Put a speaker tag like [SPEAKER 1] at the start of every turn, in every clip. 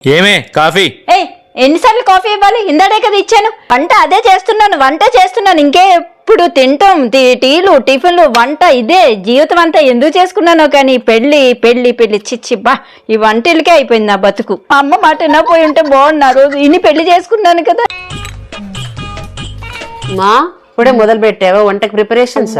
[SPEAKER 1] ఏమే కాఫీ?
[SPEAKER 2] ఏయ్, ఎన్నిసార్లు కాఫీ ఇవ్వాలి? ఇందాడే కదా ఇచ్చాను. వంట అదే చేస్తున్నాను ఇంకే ఎప్పుడు తింటాం టీలు టిఫిన్లు వంట ఇదే జీవితం అంతా ఎందుకు చేసుకున్నానో కానీ పెళ్లి పెళ్లి పెళ్లి చిచ్చి బా ఈ వంటలకే అయిపోయింది నా బతుకు. మా అమ్మ మాట వినపోయి ఉంటే బాగున్నా రోజు ఇన్ని పెళ్లి చేసుకున్నాను కదా.
[SPEAKER 3] మా ఇప్పుడే మొదలు పెట్టావా వంటకి ప్రిపరేషన్స్?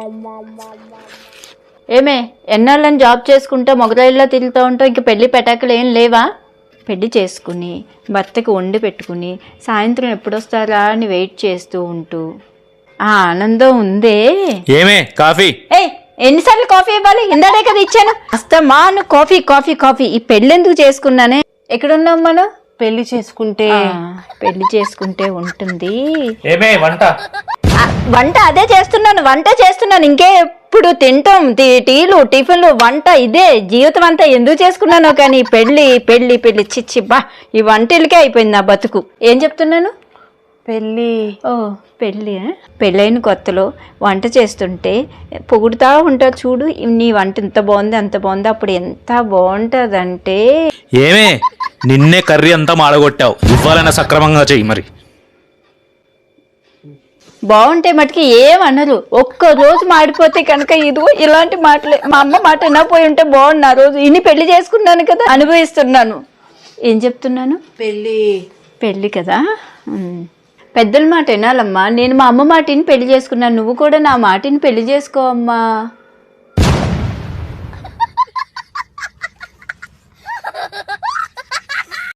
[SPEAKER 2] ఏమే ఎన్నాళ్ళని జాబ్ చేసుకుంటా మొగరాయిల్లో తిరుగుతూ ఉంటావు, ఇంక పెళ్లి పెటాకులు ఏం లేవా? పెళ్లి చేసుకుని భర్తకి వండి పెట్టుకుని సాయంత్రం ఎప్పుడొస్తారా అని వెయిట్ చేస్తూ ఉంటూ ఆ ఆనందం ఉందే.
[SPEAKER 1] ఏమే కాఫీ?
[SPEAKER 2] ఏయ్, ఎన్నిసార్లు కాఫీ ఇవ్వాలి? ఇందాడే కదా ఇచ్చాను. అస్తమాను కాఫీ కాఫీ కాఫీ. ఈ పెళ్లి ఎందుకు చేసుకున్నానే? ఎక్కడున్నాం మనం?
[SPEAKER 3] పెళ్లి చేసుకుంటే
[SPEAKER 2] పెళ్లి చేసుకుంటే ఉంటుంది.
[SPEAKER 1] ఏమే వంట?
[SPEAKER 2] వంట అదే చేస్తున్నాను ఇంకే ఎప్పుడు తింటాం టీలు టిఫిన్లు వంట ఇదే జీవితం అంతా ఎందుకు చేసుకున్నానో కానీ పెళ్లి పెళ్లి పెళ్లి చిచ్చి బా ఈ వంటలకే అయిపోయింది నా బతుకు. ఏం చెప్తున్నాను?
[SPEAKER 3] పెళ్లి.
[SPEAKER 2] ఓ పెళ్ళి. పెళ్ళైన కొత్తలో వంట చేస్తుంటే పొగుడుతూ ఉంటా చూడు, నీ వంట ఇంత బాగుంది అంత బాగుంది. అప్పుడు ఎంత బాగుంటుందంటే.
[SPEAKER 1] ఏమే నిన్నే కర్రీ అంతా మాడగొట్టావు, ఇవ్వాలన్నా సక్రమంగా చెయ్యి మరి.
[SPEAKER 2] బాగుంటే మటుకి ఏమనరు, ఒక్క రోజు మాడిపోతే కనుక ఇదిగో ఇలాంటి మాటలే. మా అమ్మ మాట వినపోయి ఉంటే బాగున్నా రోజు ఇన్ని పెళ్లి చేసుకున్నాను కదా, అనుభవిస్తున్నాను. ఏం చెప్తున్నాను? పెళ్ళి కదా. పెద్దల మాట వినాలమ్మా. నేను మా అమ్మ మాటిని పెళ్లి చేసుకున్నాను, నువ్వు కూడా నా మాటిని పెళ్లి చేసుకో అమ్మా.